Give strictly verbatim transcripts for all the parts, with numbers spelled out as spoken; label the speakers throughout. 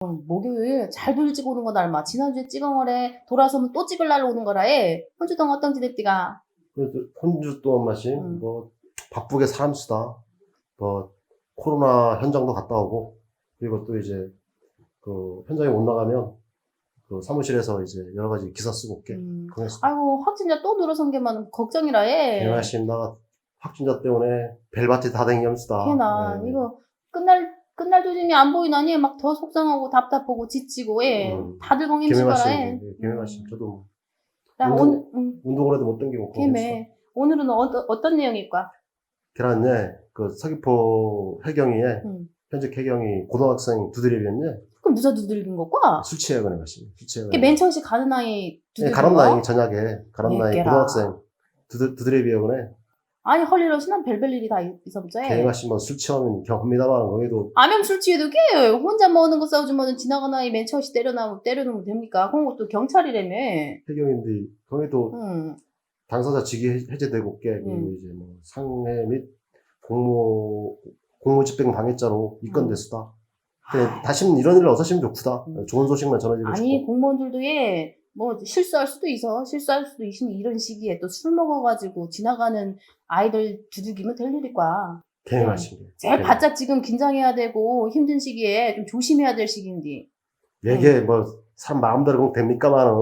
Speaker 1: 목요일 잘 돌지고 오는 거다 얼마. 지난주에 찍은 거래. 돌아서면 또 찍을 날로 오는 거라에. 혼주 동안 어떤 지냈디가?
Speaker 2: 그래도 혼주 동안 마신
Speaker 1: 음.
Speaker 2: 뭐 바쁘게 사람 수다. 뭐 코로나 현장도 갔다 오고 그리고 또 이제 그 현장에 못 나가면 그 사무실에서 이제 여러 가지 기사 쓰고 올게.
Speaker 1: 음.
Speaker 2: 그랬어.
Speaker 1: 아이고 확진자 또 늘어선 게만 걱정이라에.
Speaker 2: 개나심 나가 확진자 때문에 벨바티 다 댕겸수다.
Speaker 1: 걔나
Speaker 2: 네.
Speaker 1: 이거 끝날 끝날 조짐이 안 보이나니 막 더 속상하고 답답하고 지치고 예.
Speaker 2: 음.
Speaker 1: 다들 공임시거라 해.
Speaker 2: 개매마심, 개매마심. 저도 뭐
Speaker 1: 나
Speaker 2: 운동-
Speaker 1: 오늘 음,
Speaker 2: 운동을 해도 못 댕기고
Speaker 1: 개매. 오늘은 어떤 어떤 내용일까?
Speaker 2: 계란에 그 서귀포 해경이에
Speaker 1: 음.
Speaker 2: 현직 해경이 고등학생 두드리겠네.
Speaker 1: 그럼 누가 두들긴 거과?
Speaker 2: 술 취해가는 것이. 술 취해가는.
Speaker 1: 그게 맨 처음에 가는 나이
Speaker 2: 네,
Speaker 1: 두들긴
Speaker 2: 가란
Speaker 1: 거?
Speaker 2: 나이 저녁에 가란 나이
Speaker 1: 얘께라.
Speaker 2: 고등학생 두드 두드레비어네.
Speaker 1: 아니 헐리러시난 별별 일이 다 있었죠.
Speaker 2: 개맛이 뭐술 취하면 경험이다만 거기도
Speaker 1: 암염 술 취해도 게 혼자 먹는 거 싸우지만 지나가는 나이 맨 처음에 때려나면 때려놓으면 됩니까? 그런 것도 경찰이라며.
Speaker 2: 해경인데 거기도
Speaker 1: 응.
Speaker 2: 당사자 직위 해- 해제되고 게 그리고
Speaker 1: 음.
Speaker 2: 이제 뭐 상해 및 공모 공무집행 방해자로 입건됐수다. 근데 다시는 이런 일을 없으시면 좋구다.
Speaker 1: 음.
Speaker 2: 좋은 소식만 전해드리고
Speaker 1: 아니
Speaker 2: 싶고.
Speaker 1: 공무원들도 예, 뭐 실수할 수도 있어. 실수할 수도 있으니 이런 시기에 또 술 먹어가지고 지나가는 아이들 두들기면 될 일일까.
Speaker 2: 개맛인 게.
Speaker 1: 제일 바짝 지금 긴장해야 되고 힘든 시기에 좀 조심해야 될 시기인데.
Speaker 2: 이게 뭐 사람 마음대로 그냥 됩니까만은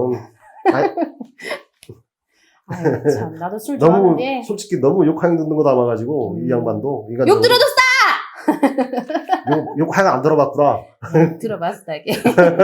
Speaker 1: 아유 참 나도 술
Speaker 2: 너무
Speaker 1: 좋아하는데
Speaker 2: 솔직히 너무 욕하는 듣는 거 담아가지고
Speaker 1: 음.
Speaker 2: 이 양반도 인간
Speaker 1: 욕 들어줬어!
Speaker 2: 욕, 욕 하나 안 들어봤구나.
Speaker 1: 들어봤어 이게.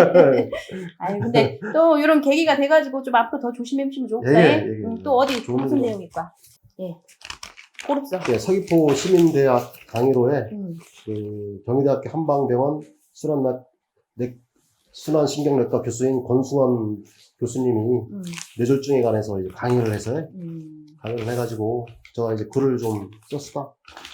Speaker 1: 아니 근데 또 이런 계기가 돼가지고 좀 앞으로 더 조심해 주시면 좋겠다.
Speaker 2: 예, 예, 예.
Speaker 1: 음, 또 어디
Speaker 2: 좋은
Speaker 1: 무슨
Speaker 2: 거.
Speaker 1: 내용일까? 예. 고릅서.
Speaker 2: 네, 서귀포 시민대학 강의로에
Speaker 1: 음.
Speaker 2: 그 경희대학교 한방병원 순환 내 순환신경내과 교수인 권승원 교수님이
Speaker 1: 음.
Speaker 2: 뇌졸중에 관해서 이제 강의를 해서
Speaker 1: 음.
Speaker 2: 강의를 해가지고 제가 이제 글을 좀 썼다.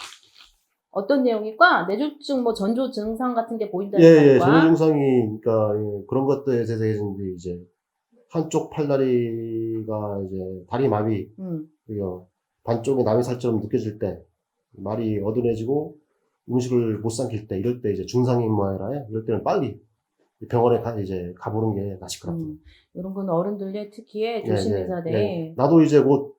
Speaker 1: 어떤 내용일까? 뇌졸중 뭐 전조 증상 같은 게 보인다는
Speaker 2: 예, 예,
Speaker 1: 거니까.
Speaker 2: 전조 증상이 그러니까 예, 그런 것들에 대해서 이제 한쪽 팔다리가 이제 다리 마비,
Speaker 1: 음.
Speaker 2: 그리고 반쪽에 나미살처럼 느껴질 때 말이 어두워지고 음식을 못 삼킬 때 이럴 때 이제 증상이 뭐야라 이럴 때는 빨리 병원에 가 이제 가보는 게 나실 것 같아요.
Speaker 1: 음. 이런 건 어른들의 특히에
Speaker 2: 예,
Speaker 1: 조심해서
Speaker 2: 예,
Speaker 1: 돼.
Speaker 2: 예. 나도 이제 곧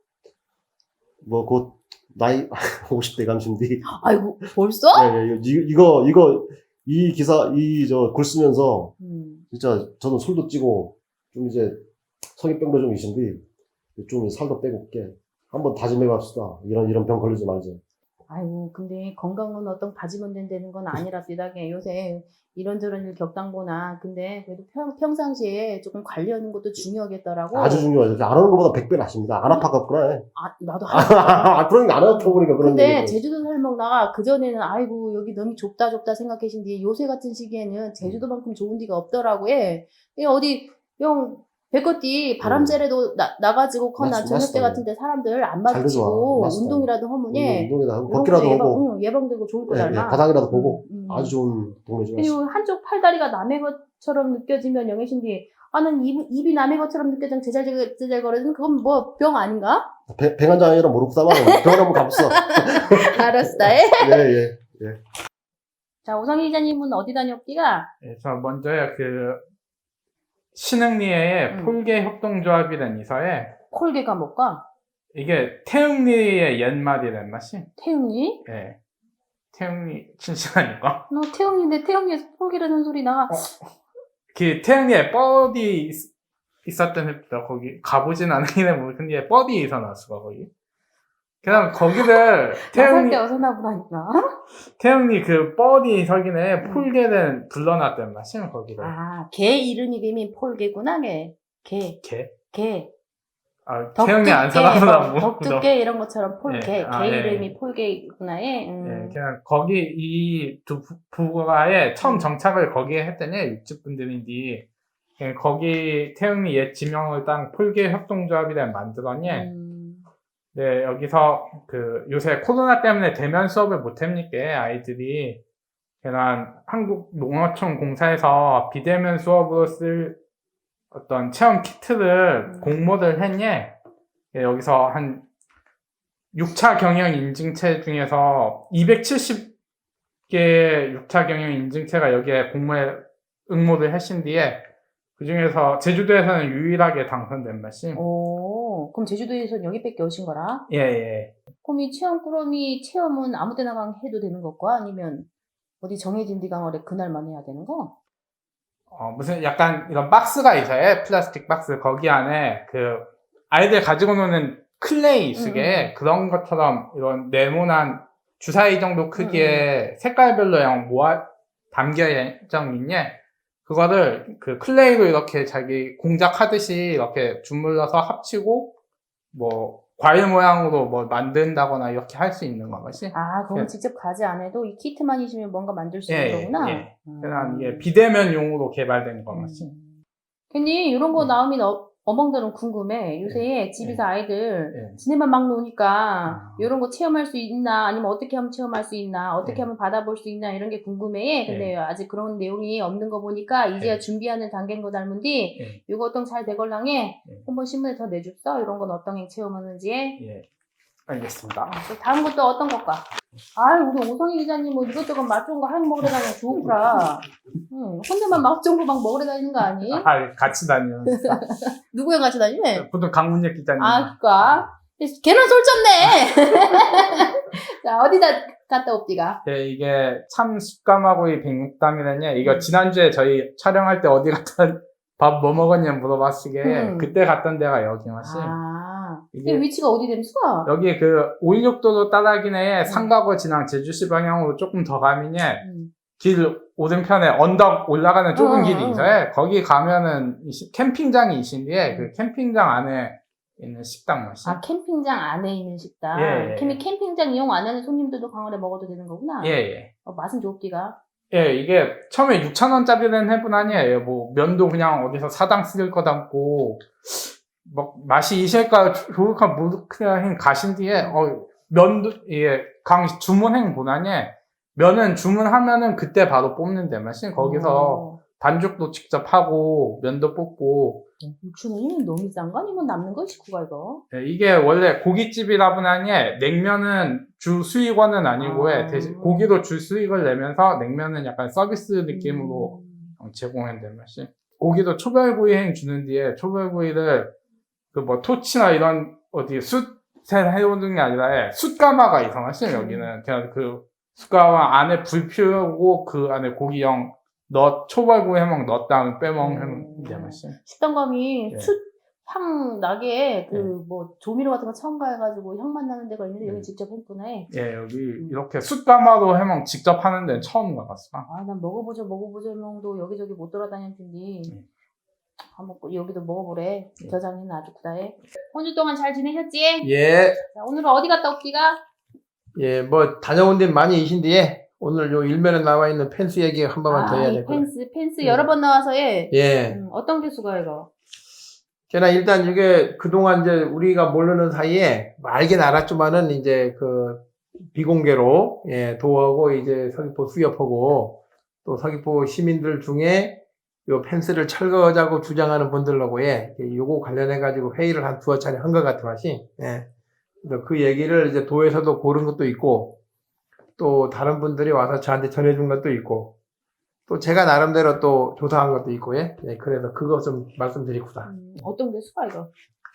Speaker 2: 뭐 곧 나이 오십 대 감신디.
Speaker 1: 아이고 벌써?
Speaker 2: 예, 예, 이- 이거 이거 이 기사 이 저 글 쓰면서
Speaker 1: 음.
Speaker 2: 진짜 저는 술도 찌고 좀 이제 성인병도 좀 있는데 좀 살도 빼고 올게. 한번 다짐해 봅시다. 이런 이런 병 걸리지 말자.
Speaker 1: 아이고 근데 건강은 어떤 다짐은 된다는 건 아니라 비다게 요새 이런저런 일 겪당보나 근데 그래도 평, 평상시에 조금 관리하는 것도 중요하겠더라고.
Speaker 2: 아주 중요하죠. 안 하는 것보다 백 배 낫습니다. 안 아파갖구나.
Speaker 1: 아, 나도
Speaker 2: 아, 그러니까 안 아파보니까 그런
Speaker 1: 근데
Speaker 2: 얘기죠.
Speaker 1: 제주도 살먹다가 그전에는 아이고 여기 너무 좁다 좁다 생각하신디 요새 같은 시기에는 제주도만큼 좋은 데가 없더라고 예. 이 어디 영 백어띠 바람재래도 나, 나가지고 커나
Speaker 2: 맞-
Speaker 1: 저녁 때
Speaker 2: 맞다.
Speaker 1: 같은데 사람들 안
Speaker 2: 잘
Speaker 1: 마주치고
Speaker 2: 맞다.
Speaker 1: 운동이라도 하면 예.
Speaker 2: 운동에다 하고
Speaker 1: 이런
Speaker 2: 걷기라도
Speaker 1: 것도 예방,
Speaker 2: 하고
Speaker 1: 응, 예방되고 좋을
Speaker 2: 예,
Speaker 1: 거다
Speaker 2: 예,
Speaker 1: 얼마.
Speaker 2: 바닥이라도 보고
Speaker 1: 음, 음.
Speaker 2: 아주 좋은 동네 좀
Speaker 1: 그리고 한쪽 팔다리가 남의 것처럼 느껴지면 영애신디 아는 입, 입이 남의 것처럼 느껴지면 제잘제잘 제잘 거리는 그건 뭐 병 아닌가?
Speaker 2: 백한장 아니라 모르고다만 병원 한번 가봤어.
Speaker 1: 알았어.
Speaker 2: 예, 예.
Speaker 1: 자 오상희 기자님은 어디 다녔기가?
Speaker 3: 예, 저 먼저요, 그, 신흥리의
Speaker 1: 음.
Speaker 3: 폴개 협동조합이라는 이서에,
Speaker 1: 콜개가 뭘까?
Speaker 3: 이게 태흥리의 옛말이란 맛이,
Speaker 1: 태웅이?
Speaker 3: 예. 태흥리 친신하니까.
Speaker 1: 너 태웅인데 태웅이에서 콜개라는 소리 나.
Speaker 3: 그 태흥리에 뻘이 있, 있었던 heb다 거기 가보진 않으긴 해, 뭐, 근데 뻘이 있어놨어, 거기. 그 다음 거기를,
Speaker 1: 태웅이
Speaker 3: 태흥리,
Speaker 1: 어서 나보다니까.
Speaker 3: 태흥리 그 뻘이 서기네 폴개는 불러놨단 맛이, 거기를.
Speaker 1: 아, 개 이름이 이미 폴개구나, 개. 개,
Speaker 3: 개?
Speaker 1: 개.
Speaker 3: 아, 태흥리 안 살아보나, 뭐.
Speaker 1: 덕두개 이런 것처럼 폴개.
Speaker 3: 예, 아,
Speaker 1: 개
Speaker 3: 예.
Speaker 1: 이름이 폴개구나, 예.
Speaker 3: 예,
Speaker 1: 음.
Speaker 3: 그냥 거기 이 두 부가에 처음
Speaker 1: 음.
Speaker 3: 정착을 거기에 했더니 육십 분들인데 예, 거기 태흥리 옛 지명을 딴 폴개 협동조합이라 만들었니.
Speaker 1: 음.
Speaker 3: 네, 여기서 그 요새 코로나 때문에 대면 수업을 못 합니까 아이들이. 그냥 한국 농어촌 공사에서 비대면 수업으로 쓸 어떤 체험 키트를
Speaker 1: 음.
Speaker 3: 공모를 했니. 예, 여기서 한 육 차 경영 인증체 중에서 이백칠십 개의 육 차 경영 인증체가 여기에 공모에 응모를 하신 뒤에 그 중에서 제주도에서는 유일하게 당선된 말씀.
Speaker 1: 오, 그럼 제주도에서는 여기밖에 오신 거라?
Speaker 3: 예, 예.
Speaker 1: 그럼 이 체험 꾸러미 체험은 아무 데나 강 해도 되는 것과 아니면 어디 정해진 디강월에 그날만 해야 되는 거?
Speaker 3: 어, 무슨 약간 이런 박스가 있어요. 플라스틱 박스. 거기 안에 그 아이들 가지고 노는 클레이 쓰게 그런 것처럼 이런 네모난 주사위 정도 크기의 색깔별로 양 모아 담겨 있네. 그거를 그 클레이로 이렇게 자기 공작하듯이 이렇게 주물러서 합치고 뭐 과일 모양으로 뭐 만든다거나 이렇게 할 수 있는 것이.
Speaker 1: 아, 그럼
Speaker 3: 예.
Speaker 1: 직접 가지 않아도 이 키트만 있으면 뭔가 만들 수
Speaker 3: 예,
Speaker 1: 있는 거구나?
Speaker 3: 예.
Speaker 1: 음.
Speaker 3: 그냥 이게 비대면용으로 개발된 것이.
Speaker 1: 음. 괜히 이런 거
Speaker 3: 예.
Speaker 1: 나오면 어, 어멍들은 궁금해. 요새 집에서 아이들
Speaker 3: 예.
Speaker 1: 지네만 막 노니까
Speaker 3: 아.
Speaker 1: 이런 거 체험할 수 있나 아니면 어떻게 하면 체험할 수 있나 어떻게
Speaker 3: 예.
Speaker 1: 하면 받아볼 수 있나 이런 게 궁금해. 근데
Speaker 3: 예.
Speaker 1: 아직 그런 내용이 없는 거 보니까 이제야
Speaker 3: 예.
Speaker 1: 준비하는 단계인 거 닮은디
Speaker 3: 예.
Speaker 1: 이거 어떤 잘 되걸랑해
Speaker 3: 예.
Speaker 1: 한번 신문에 더 내줬어. 이런 건 어떤 게 체험하는지.
Speaker 3: 예. 알겠습니다.
Speaker 1: 아, 또 다음 것도 어떤 것과? 아, 우리 오성희 기자님 뭐 이것저것 맛 좋은 거 한 먹으러 다니면 좋구라. 응, 혼자만 맛 좋은 거 막 먹으러 다니는 거 아니?
Speaker 3: 아, 같이 다니는.
Speaker 1: 누구랑 같이 다니네?
Speaker 3: 보통 강문혁 기자님.
Speaker 1: 아, 그니까. 걔는 솔졌네! 자, 어디다 갔다 옵디가?
Speaker 3: 예, 이게 참 습감하고 이 백육담이라냐. 이거
Speaker 1: 음.
Speaker 3: 지난주에 저희 촬영할 때 어디 갔다 밥 뭐 먹었냐 물어봤으게
Speaker 1: 음.
Speaker 3: 그때 갔던 데가 여기 맛이.
Speaker 1: 아,
Speaker 3: 이게-
Speaker 1: 이게 위치가 어디 됨수가?
Speaker 3: 여기 그 오일육도로 따라기내에
Speaker 1: 음.
Speaker 3: 상가고 진항 제주시 방향으로 조금 더 가면은
Speaker 1: 음.
Speaker 3: 길 오른편에 언덕 올라가는 좁은
Speaker 1: 어,
Speaker 3: 길이
Speaker 1: 어.
Speaker 3: 있어요. 거기 가면은 이 시- 캠핑장이 있신데 그 캠핑장 안에 있는 식당 맛이.
Speaker 1: 아, 캠핑장 안에 있는 식당.
Speaker 3: 예, 예.
Speaker 1: 캠, 캠핑장 이용 안 하는 손님들도 강원에 먹어도 되는 거구나?
Speaker 3: 예, 예.
Speaker 1: 어, 맛은 좋디가?
Speaker 3: 예, 이게 처음에 육천 원짜리는 해본 아니에요. 뭐 면도 그냥 어디서 사당 쓸 거 담고 뭐 맛이 이실까 좋을까 모르 그냥 가신 뒤에 어 면도 이게 강 주문행 보나니 면은 주문하면은 그때 바로 뽑는데 맛이 거기서
Speaker 1: 어.
Speaker 3: 반죽도 직접 하고 면도 뽑고
Speaker 1: 육천 원이면 너무 싼 거 아니면 남는 거 식구가 이거?
Speaker 3: 예, 이게 원래 고깃집이라 보나니 냉면은 주 수익원은 아니고
Speaker 1: 아.
Speaker 3: 대신 고기도 주 수익을 내면서 냉면은 약간 서비스 느낌으로
Speaker 1: 음.
Speaker 3: 제공한다는 맛이. 고기도 초벌구이행 주는 뒤에 초벌구이를 그 뭐 토치나 이런 어디 숯에 해오는 게 아니라 숯가마가 이상하시 여기는 그냥 그 숯가마 안에 불 피우고 그 안에 고기형 넣 초벌구이 해먹 넣었다가 빼먹는 게 맛이.
Speaker 1: 식당감이
Speaker 3: 예.
Speaker 1: 숯, 향 나게 그
Speaker 3: 예.
Speaker 1: 뭐 조미료 같은 거 첨가해가지고 향만 나는 데가 있는데 여기
Speaker 3: 음.
Speaker 1: 직접 했구나.
Speaker 3: 예, 여기 이렇게 숯가마로 해먹 직접 하는 데는 처음 가봤어.
Speaker 1: 아, 난 먹어보자 먹어보자 명도 여기저기 못 돌아다닐 텐데
Speaker 3: 음.
Speaker 1: 한번 꼭 여기도 먹어보래.
Speaker 3: 음.
Speaker 1: 겨장이는 아주 구다해. 한 주 동안 잘 지내셨지?
Speaker 4: 예,
Speaker 1: 자, 오늘은 어디 갔다 옵디가?
Speaker 4: 예, 뭐, 다녀온 데 많이 이신데, 오늘 요 일면에 나와 있는 펜스 얘기 한 번만 더
Speaker 1: 아,
Speaker 4: 해야
Speaker 1: 이
Speaker 4: 될 거예요.
Speaker 1: 펜스 펜스
Speaker 4: 음.
Speaker 1: 여러 번 나와서 예.
Speaker 4: 예.
Speaker 1: 음, 어떤 게 수가 이거?
Speaker 4: 걔나 일단 이게 그동안 이제 우리가 모르는 사이에, 뭐 알긴 알았지만은 이제 그, 비공개로, 예, 도하고 이제 서귀포 수협하고, 또 서귀포 시민들 중에 요 펜스를 철거하자고 주장하는 분들하고, 예, 요거 관련해가지고 회의를 한 두어 차례 한 것 같은 맛이, 예. 그래서 그 얘기를 이제 도에서도 고른 것도 있고, 또 다른 분들이 와서 저한테 전해준 것도 있고, 또 제가 나름대로 또 조사한 것도 있고, 예. 예, 그래서 그거 좀 말씀드리고자.
Speaker 1: 음, 어떤 게 수가 이거?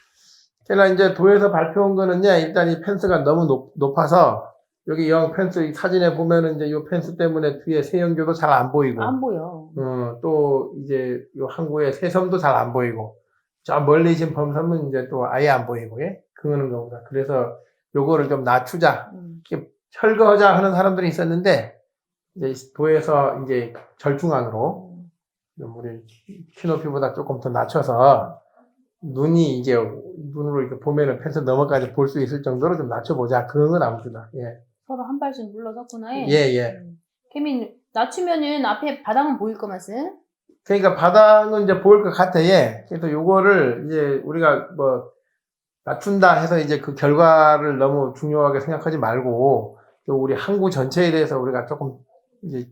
Speaker 4: 제가 이제 도에서 발표한 거는요, 일단 이 펜스가 너무 높, 높아서, 여기 영 펜스 이 사진에 보면은 이제 이 펜스 때문에 뒤에 세연교도 잘 안 보이고,
Speaker 1: 안 보여.
Speaker 4: 어, 또 이제 요 항구의 새섬도 잘 안 보이고, 저 멀리 있는 범섬은 이제 또 아예 안 보이고, 예. 그거는 거보다. 그래서 요거를 좀 낮추자.
Speaker 1: 음.
Speaker 4: 철거하자 하는 사람들이 있었는데, 이제 도에서 이제 절중앙으로, 좀 우리 키높이보다 조금 더 낮춰서, 눈이 이제, 눈으로 이렇게 보면은 펜스 너머까지 볼 수 있을 정도로 좀 낮춰보자. 그런 건 아무튼, 예.
Speaker 1: 서로 한 발씩 물러섰구나. 예.
Speaker 4: 예, 예.
Speaker 1: 음. 케민 낮추면은 앞에 바닥은 보일 거면은.
Speaker 4: 그러니까 바닥은 이제 보일 것 같아, 예. 그래서 요거를 이제 우리가 뭐, 낮춘다 해서 이제 그 결과를 너무 중요하게 생각하지 말고, 또 우리 항구 전체에 대해서 우리가 조금 이제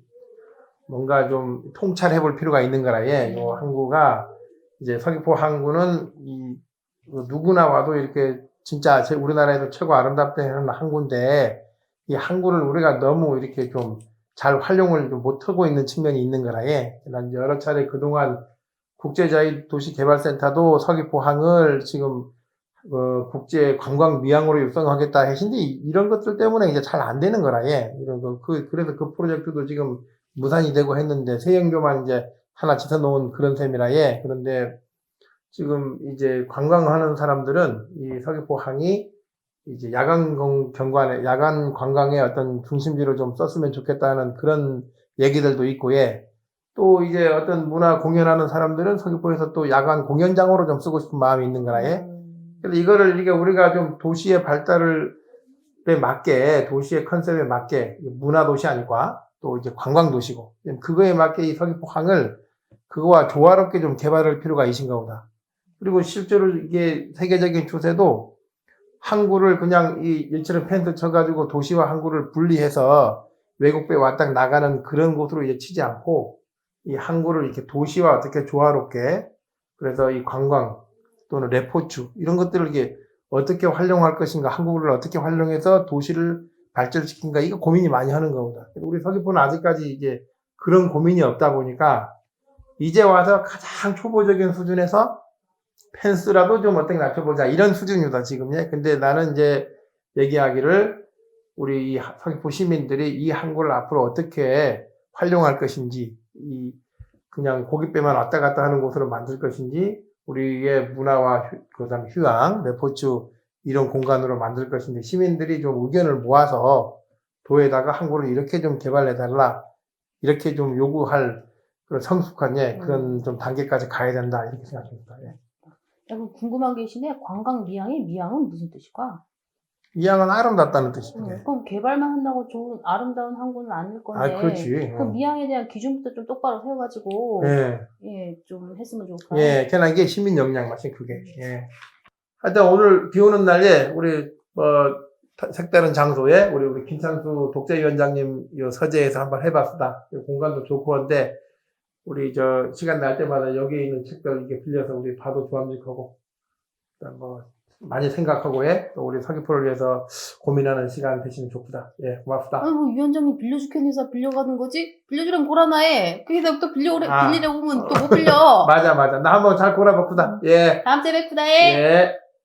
Speaker 4: 뭔가 좀 통찰해 볼 필요가 있는 거라, 예. 요 항구가 이제 서귀포 항구는 이 누구나 와도 이렇게 진짜 제 우리나라에서 최고 아름답다 하는 항구인데 이 항구를 우리가 너무 이렇게 좀 잘 활용을 좀 못하고 있는 측면이 있는 거라에, 난 여러 차례 그동안 국제자유도시개발센터도 서귀포항을 지금 어, 국제 관광 미항으로 육성하겠다 하신데 이런 것들 때문에 이제 잘 안 되는 거라에, 이런 거, 그, 그래서 그 프로젝트도 지금 무산이 되고 했는데 세영교만 이제 하나 짓어 놓은 그런 셈이라에. 그런데 지금 이제 관광하는 사람들은 이 서귀포항이 이제 야간 경- 경관에, 야간 관광의 어떤 중심지로 좀 썼으면 좋겠다는 그런 얘기들도 있고, 예. 또 이제 어떤 문화 공연하는 사람들은 서귀포에서 또 야간 공연장으로 좀 쓰고 싶은 마음이 있는 거라, 예.
Speaker 1: 음.
Speaker 4: 그래서 이거를 이게 우리가 좀 도시의 발달에 맞게, 도시의 컨셉에 맞게, 문화 도시 아니까 또 이제 관광 도시고, 그거에 맞게 이 서귀포항을 그거와 조화롭게 좀 개발할 필요가 있신가 보다. 그리고 실제로 이게 세계적인 추세도 항구를 그냥 이 일처럼 펜스 쳐가지고 도시와 항구를 분리해서 외국배 왔다 나가는 그런 곳으로 이제 치지 않고 이 항구를 이렇게 도시와 어떻게 조화롭게, 그래서 이 관광 또는 레포츠 이런 것들을 이게 어떻게 활용할 것인가, 항구를 어떻게 활용해서 도시를 발전시킨가, 이거 고민이 많이 하는 거보다. 우리 서귀포는 아직까지 이제 그런 고민이 없다 보니까 이제 와서 가장 초보적인 수준에서 펜스라도 좀 어떻게 낮춰보자 이런 수준이다 지금. 예. 근데 나는 이제 얘기하기를 우리 이 서귀포 시민들이 이 항구를 앞으로 어떻게 활용할 것인지, 이 그냥 고깃배만 왔다 갔다 하는 곳으로 만들 것인지, 우리의 문화와 휴, 그다음 휴양, 레포츠 이런 공간으로 만들 것인지 시민들이 좀 의견을 모아서 도에다가 항구를 이렇게 좀 개발해달라, 이렇게 좀 요구할 그런 성숙한, 예, 그런 좀 단계까지 가야 된다 이렇게 생각합니다. 예.
Speaker 1: 그리고 궁금한 게 있는데 관광 미항이 미항은 무슨 뜻일까?
Speaker 4: 이항은 아름답다는 뜻이죠.
Speaker 1: 음,
Speaker 4: 예.
Speaker 1: 그럼 개발만 한다고 좋은 아름다운 항구는 아닐 건데.
Speaker 4: 아, 그렇지.
Speaker 1: 그럼
Speaker 4: 어.
Speaker 1: 미항에 대한 기준부터 좀 똑바로 세워가지고
Speaker 4: 예.
Speaker 1: 예, 좀 했으면 좋을까요?
Speaker 4: 예, 걔는 이게 시민 역량 맛이 그게. 예. 하여튼 오늘 비 오는 날에 우리 뭐 색다른 장소에 우리 우리 김창수 독재위원장님 이 서재에서 한번 해봤다. 공간도 좋고 한데 우리 저 시간 날 때마다 여기 있는 책들 이렇게 빌려서 우리 봐도 좋아함직하고 뭐 많이 생각하고 해. 또 우리 서귀포를 위해서 고민하는 시간 되시면 좋구다. 예, 고맙습니다.
Speaker 1: 아니 뭐 위원장님 빌려주겠니서 빌려가는 거지? 빌려주란 고라나에 그게 또 빌려
Speaker 4: 아.
Speaker 1: 빌리려고 오면 또 못 빌려.
Speaker 4: 맞아, 맞아. 나 한번 잘 골라봤구다. 예.
Speaker 1: 다음 주에 뵙구나 해.
Speaker 4: 예.